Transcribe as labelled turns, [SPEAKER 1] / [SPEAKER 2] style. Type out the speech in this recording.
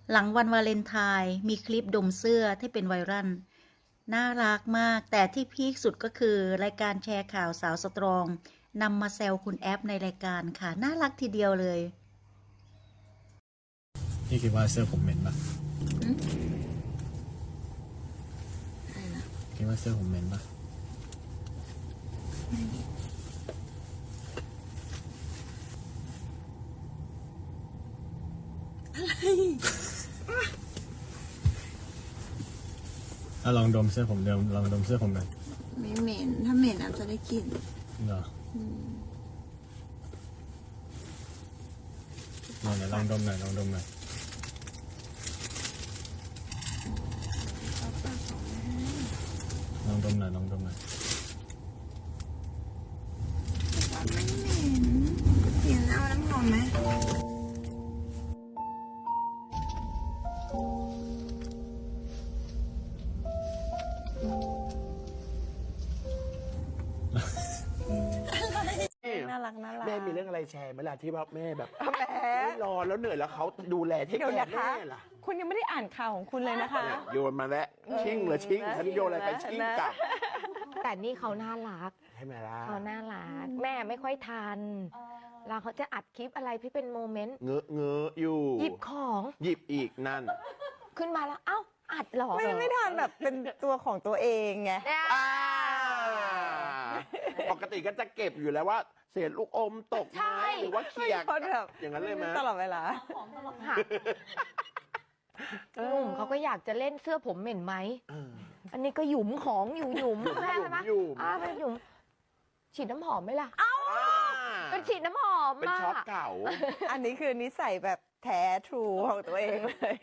[SPEAKER 1] หลังวันวาเลนไทน์มีคลิปดมเสื้อที่เป็นไวรัลน่ารักมากแต่ที่พีคสุดก็คือรายการแชร์ข่าวสาวสตรองนำมาแซวคุณแอปในรายการค่ะน่ารักทีเดียวเลย
[SPEAKER 2] พี่คิดว่าเสื้อผมเหม็นปะคิดว่าเสื้อผมเหม็นปะลองดมเสื้อผมลองดมเสื้อผมหน่อย
[SPEAKER 3] ไม่เหม็นถ้าเหม็นอาจจะได้กลิ่น
[SPEAKER 2] เหรอลองดมหน่อยลองดมหน่อยลองดมหน่อยลองดมหน่อย
[SPEAKER 3] ไม่เหม็นเปลี่ยนเอาน้ำหอมไหมน่ารักน่ารัก
[SPEAKER 4] แม่มีเรื่องอะไรแชร์ไหมล่ะที่ว่าแม่แบบไม่รอแล้วเหนื่อยแล้วเขาดูแลเทคแคร์แม่ล่ะ
[SPEAKER 3] คุณยังไม่ได้อ่านข่าวของคุณเลยนะคะ
[SPEAKER 4] โยนมาแล้วชิ่งเลยชิ่งฉันโยนอะไรไปชิ่งกลับ
[SPEAKER 5] แต่นี่เขาน่ารัก
[SPEAKER 4] ใช่ไหมล่ะ
[SPEAKER 5] เขาน่ารักแม่ไม่ค่อยทันแล้วเขาจะอัดคลิปอะไรที่เป็นโมเมนต์
[SPEAKER 4] เงอะเงอะอยู่
[SPEAKER 5] หยิบของ
[SPEAKER 4] หยิบอีกนั่น
[SPEAKER 5] ขึ้นมาแล้วเอ้าอัดเหรอ
[SPEAKER 3] ไม่ทันแบบเป็นตัวของตัวเองไง
[SPEAKER 4] ปกติก็จะเก็บอยู่แล้วว่าเศษลูกอมตกไหมหรือว่าเขียกอย่างนั้นเลยไหม
[SPEAKER 3] ตลอดเวลา
[SPEAKER 5] หนุ่มเขาก็อยากจะเล่นเสื้อผมเหม็นไหมอันนี้ก็หยุมของอยู่หยุมแม่ใช่ไหมเป็นหยุมฉีดน้ำหอมไหมล่ะเป็นฉีดน้ำหอม
[SPEAKER 4] เป็นช็อตเก่า
[SPEAKER 3] อันนี้คือนิสัยแบบแท้ทรูของตัวเองเลย